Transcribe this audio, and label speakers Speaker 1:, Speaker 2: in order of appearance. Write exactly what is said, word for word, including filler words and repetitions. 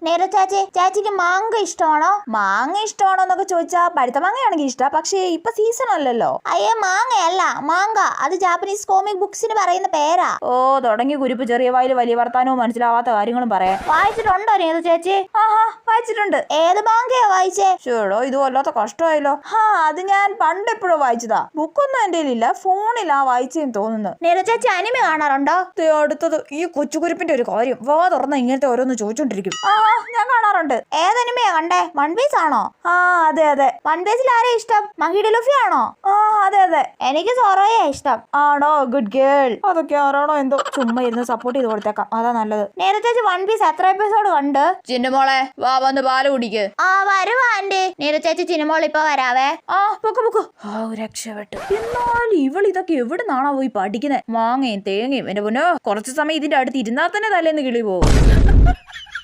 Speaker 1: നേരെ ചാച്ചി, ചാച്ചിക്ക് മാങ്ങ ഇഷ്ടമാണോ?
Speaker 2: മാങ്ങ ഇഷ്ടമാണോ എന്നൊക്കെ ചോദിച്ചാ പഴുത്ത മാങ്ങയാണെങ്കിൽ ഇഷ്ടം, പക്ഷേ ഇപ്പൊ സീസൺ അല്ലല്ലോ.
Speaker 1: അയ്യേ മാങ്ങയല്ല, മാങ്ക. അത് ജാപ്പനീസ് കോമിക് ബുക്സിന് പറയുന്ന പേരാ.
Speaker 2: ഓ തുടങ്ങി കുരിപ്പ്, ചെറിയ വായിൽ വലിയ വർത്താനവും മനസ്സിലാവാത്ത കാര്യങ്ങളും പറയാൻ.
Speaker 1: വായിച്ചിട്ടുണ്ടോ നേരെ ചേച്ചി?
Speaker 2: ആഹാ വായിച്ചിട്ടുണ്ട്.
Speaker 1: ഏത് മാങ്കയാ വായിച്ചേ?
Speaker 2: ചേടോ ഇത് വല്ലാത്ത കഷ്ടമായല്ലോ. ഹാ അത് ഞാൻ പണ്ട് എപ്പോഴോ വായിച്ചതാ. ബുക്കൊന്നും എന്റെ ഇല്ല, ഫോണിലാ വായിച്ചെന്ന് തോന്നുന്നു.
Speaker 1: നേരെ ചേച്ചി അനിമ കാണാറുണ്ടോ?
Speaker 2: അടുത്തത് ഈ കൊച്ചുകുരിപ്പിന്റെ ഒരു കാര്യം, വാ തുറന്ന ഇങ്ങനത്തെ ഓരോന്ന് ചോദിച്ചോണ്ടിരിക്കും. ആ ഞാൻ കാണാറുണ്ട്.
Speaker 1: ഏതനിമയാ കണ്ടേ? വൺ പീസ് ആണോ?
Speaker 2: ആ അതെ അതെ.
Speaker 1: വൺ പീസിൽ ആരെയാ ഇഷ്ടം? മഹിയുടെ ലുഫി ആണോ?
Speaker 2: ആ അതെ അതെ.
Speaker 1: എനിക്ക് സോറോയാ ഇഷ്ടം.
Speaker 2: ആണോ? Good girl. അതൊക്കെ ആരാണോ എന്തോ, ചുമ്മാ ഇരുന്ന് സപ്പോർട്ട് ചെയ്ത് കൊടുത്തേക്കാം, അതാ നല്ലത്.
Speaker 1: നേരെ ചേച്ചി വൺ പീസ് എത്ര എപ്പിസോഡ് കണ്ട്?
Speaker 2: ചിന്നമോളെ വാ വന്ന് പാല് കുടിക്ക്.
Speaker 1: ആ വരുവാ ആന്റി. നേരെ ചേച്ചി ചിന്നമോൾ ഇപ്പൊ വരാവേ.
Speaker 2: ആ പൊക്കു പൊക്കു. ആ രക്ഷപ്പെട്ടു. എന്നാൽ ഇവൾ ഇതൊക്കെ എവിടെ നിന്നാണോ പോയി പഠിക്കുന്നത്? മാങ്ങയും തേങ്ങയും. എന്റെ പൊന്നോ, കുറച്ചു സമയം ഇതിന്റെ അടുത്ത് ഇരുന്നാൽ തന്നെ തലേന്ന് കിളി പോകും.